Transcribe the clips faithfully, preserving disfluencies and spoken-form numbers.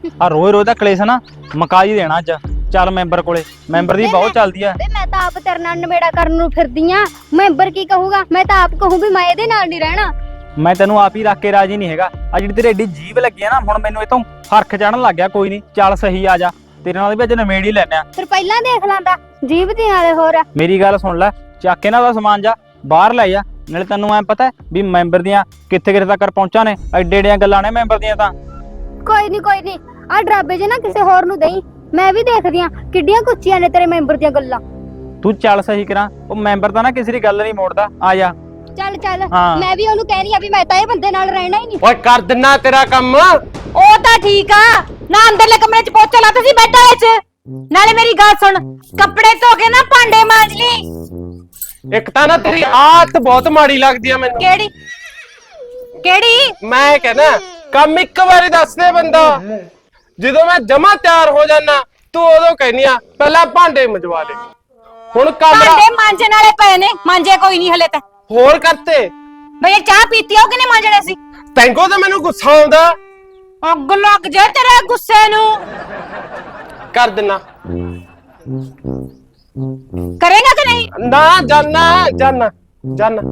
ਆ ਰੋਜ਼ ਰੋਜ਼ ਦਾ ਕਲੇਸ਼ ਨਾ ਮੁਕਾ ਹੀ ਦੇਣਾ ਅੱਜ। ਚੱਲ ਮੈਂਬਰ ਕੋਲੇ, ਮੈਂਬਰ ਦੀ ਬਹੁਤ ਚੱਲਦੀ ਆ। ਮੈਂ ਤਾਂ ਆਪ ਤੇਰੇ ਨਾਲ ਨਵੇੜਾ ਕਰਨ ਨੂੰ ਫਿਰਦੀ ਆ, ਮੈਂਬਰ ਕੀ ਕਹੂਗਾ? ਮੈਂ ਤਾਂ ਆਪ ਕਹੂੰ ਵੀ ਮੈਂ ਇਹਦੇ ਨਾਲ ਨਹੀਂ ਰਹਿਣਾ। ਮੈਂ ਤੈਨੂੰ ਆਪ ਹੀ ਰੱਖ ਕੇ ਰਾਜੀ ਨਹੀਂ ਹੈਗਾ। ਆ ਜਿਹੜੀ ਤੇਰੀ ਏਡੀ ਜੀਭ ਲੱਗੀ ਆ ਨਾ, ਹੁਣ ਮੈਨੂੰ ਇਹ ਤੋਂ ਫਰਕ ਚੜਨ ਲੱਗ ਗਿਆ। ਕੋਈ ਨਹੀਂ, ਚੱਲ ਸਹੀ ਆ ਜਾ, ਤੇਰੇ ਨਾਲ ਵੀ ਅੱਜ ਨਵੇੜ ਹੀ ਲੈਨੇ ਆ। ਫਿਰ ਪਹਿਲਾਂ ਦੇਖ ਲਾਂਦਾ ਜੀਭ ਦੀ ਨਾਲੇ। ਹੋਰ ਮੇਰੀ ਗੱਲ ਸੁਣ ਲੈ, ਚੱਕ ਕੇ ਨਾ ਉਹਦਾ ਸਮਾਨ ਜਾ ਬਾਹਰ ਲੈ ਜਾ। ਨਾਲੇ ਤੈਨੂੰ ਐ ਪਤਾ ਵੀ ਮੈਂਬਰ ਦੀਆਂ ਕਿੱਥੇ ਕਿੱਥੇ ਤੱਕ ਪਹੁੰਚਾਂ ਨੇ। ਐਡੇ ਐਡੀਆਂ ਗੱਲਾਂ ਨੇ ਮੈਂਬਰ ਦੀਆਂ ਤਾਂ। ਕੋਈ ਨਹੀਂ ਕੋਈ ਨਹੀਂ, ਆ ਡਰਾਬੇ ਜੇ ਨਾ ਕਿਸੇ ਹੋਰ ਨੂੰ ਦੇਈ, ਮੈਂ ਵੀ ਦੇਖਦੀ ਆ ਕਿੱਡੀਆਂ ਕੁੱਚੀਆਂ ਨੇ ਤੇਰੇ ਮੈਂਬਰ ਦੀਆਂ ਗੱਲਾਂ। ਤੂੰ ਚੱਲ ਸਹੀ ਕਰਾਂ, ਉਹ ਮੈਂਬਰ ਤਾਂ ਨਾ ਕਿਸੇ ਦੀ ਗੱਲ ਨਹੀਂ ਮੋੜਦਾ। ਆ ਜਾ ਚੱਲ ਚੱਲ, ਹਾਂ। ਮੈਂ ਵੀ ਉਹਨੂੰ ਕਹਿ ਰਹੀ ਆ ਵੀ ਮੈਂ ਤਾਂ ਇਹ ਬੰਦੇ ਨਾਲ ਰਹਿਣਾ ਹੀ ਨਹੀਂ। ਓਏ ਕਰ ਦਿੰਨਾ ਤੇਰਾ ਕੰਮ। ਉਹ ਤਾਂ ਠੀਕ ਆ ਨਾ, ਅੰਦਰਲੇ ਕਮਰੇ ਚ ਪੋਚਾ ਲਾ ਤੁਸੀਂ ਬੈੱਡ ਵਾਲੇ ਚ। ਨਾਲੇ ਮੇਰੀ ਗੱਲ ਸੁਣ, ਕੱਪੜੇ ਧੋ ਕੇ ਨਾ ਭਾਂਡੇ ਮਾਂਜ ਲਈ। ਇੱਕ ਤਾਂ ਨਾ ਤੇਰੀ ਆਦਤ ਬਹੁਤ ਮਾੜੀ ਲੱਗਦੀ ਆ ਮੈਨੂੰ। ਕਿਹੜੀ ਕਿਹੜੀ? ਮੈਂ ਕਹਿੰਦਾ ਕੰਮ ਇੱਕ ਵਾਰੀ ਦੱਸ ਦੇ ਬੰਦਾ। ਜਦੋਂ ਮੈਂ ਜਮਾ ਤਿਆਰ ਹੋ ਜਾਣਾ, ਤੂੰ ਉਦੋਂ ਕਹਿਨੀ ਆ ਪਹਿਲਾਂ ਭਾਂਡੇ ਮਜਵਾ ਲੈ। ਹੁਣ ਕਮਰਾ ਭਾਂਡੇ ਮਾਂਜਣ ਵਾਲੇ ਪਏ ਨੇ, ਮਾਂਜੇ ਕੋਈ ਨਹੀਂ ਹਲੇ ਤਾਂ। ਹੋਰ ਕਰਤੇ ਬਈ ਇਹ ਚਾਹ ਪੀਤੀ ਆ, ਉਹ ਕਿਨੇ ਮਾਂਜਣੇ ਸੀ? ਤੈਨੂੰ ਤਾਂ ਮੈਨੂੰ ਗੁੱਸਾ ਆਉਂਦਾ। ਅੱਗ ਲੱਗ ਜਾ ਤੇਰੇ ਗੁੱਸੇ ਨੂੰ। ਕਰ ਦਿੰਨਾ। ਕਰੇਗਾ ਕਿ ਨਹੀਂ? ਨਾ ਜਾਨਾ ਜਾਨਾ ਜਾਨਾ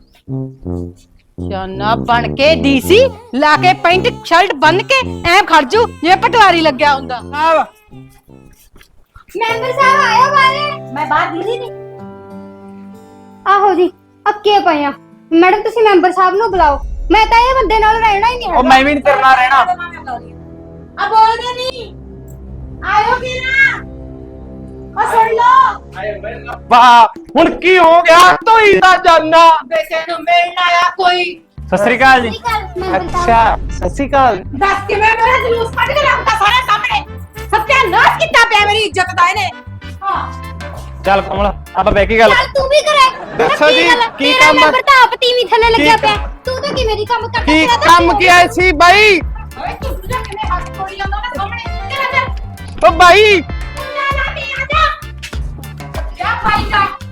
ਜਾਨਾ ਬਣ ਕੇ ਡੀਸੀ ਲਾ ਕੇ ਪੈਂਟ ਸ਼ਰਟ ਬੰਨ ਕੇ ਐ ਖੜਜੂ ਜਿਵੇਂ ਪਟਵਾਰੀ ਲੱਗਿਆ ਹੁੰਦਾ। ਮੈਂਬਰ ਸਾਹਿਬ ਆਇਓ ਬਾਰੇ। ਮੈਂ ਬਾਹਰ ਦਿਖਦੀ ਨਹੀਂ। ਆਹੋ ਜੀ, ਅੱਕੇ ਪਏ ਆ। ਮੈਡਮ ਤੁਸੀਂ ਮੈਂਬਰ ਸਾਹਿਬ ਨੂੰ ਬੁਲਾਓ, ਮੈਂ ਤਾਂ ਇਹ ਬੰਦੇ ਨਾਲ ਰਹਿਣਾ ਹੀ ਨਹੀਂ ਉਹ ਹੈਗਾ। ਮੈਂ ਵੀ ਨਹੀਂ ਤੇਰੇ ਨਾਲ ਰਹਿਣਾ। ਆ ਬੋਲਦੇ ਨਹੀਂ, ਆਇਓ ਕਿ ਨਾ ਆ ਸੁਣ ਲੋ। ਵਾਹ ਹੁਣ ਕੀ ਹੋ ਗਿਆ? ਤੋਈ ਦਾ ਜਾਨਾ। ਬੇਟੇ ਨੂੰ ਮਿਲਣ ਆਇਆ ਕੋਈ। ਸਤਿ ਸ੍ਰੀ ਅਕਾਲ ਜੀ। ਮੈਂਬਰ ਸਾਹਿਬ ਅੱਛਾ ਸਤਿ ਸ਼੍ਰੀ ਅਕਾਲ। ਦੱਸ ਕਿਵੇਂ ਮੇਰਾ ਜਲੂਸ ਕੱਢ ਕੇ ਰੱਖਦਾ ਸਾਰੇ ਸਾਹਮਣੇ। ਸਤਿਆਨਾਸ਼ ਕੀਤਾ ਪਿਆ ਮੇਰੀ ਇੱਜ਼ਤ ਦਾ ਇਹਨੇ। ਹਾਂ ਚੱਲ ਕਮਲ, ਆਪਾਂ ਬਹਿ ਕੇ ਗੱਲ। ਚੱਲ ਤੂੰ ਵੀ ਕਰੇ। ਦੱਸੋ ਜੀ, ਕੀ ਤੇਰਾ ਕੰਮ ਆ? ਮੈਂਬਰ ਤਾਂ ਆਪ ਤੀਵੀਂ ਥੱਲੇ ਲੱਗਿਆ ਕੀ ਪਿਆ। ਤੂੰ ਤਾਂ ਕਿਵੇਂ ਦੀ ਕੰਮ ਕਰਦਾ? ਕੀ ਤੇਰਾ ਤਾਂ ਕੰਮ ਕੀ ਆਇਆ ਸੀ ਬਾਈ? ਓਏ ਤੂੰ ਸੁਝਾ ਕਿਵੇਂ ਹੱਥ ਤੋੜੀ ਜਾਂਦਾ ਉਹਦੇ ਸਾਹਮਣੇ। ਚੱਲ ਚੱਲ ਓ ਬਾਈ ਨਾ ਨਾ ਆ ਜਾ ਜਾ ਭਾਈ ਜਾ।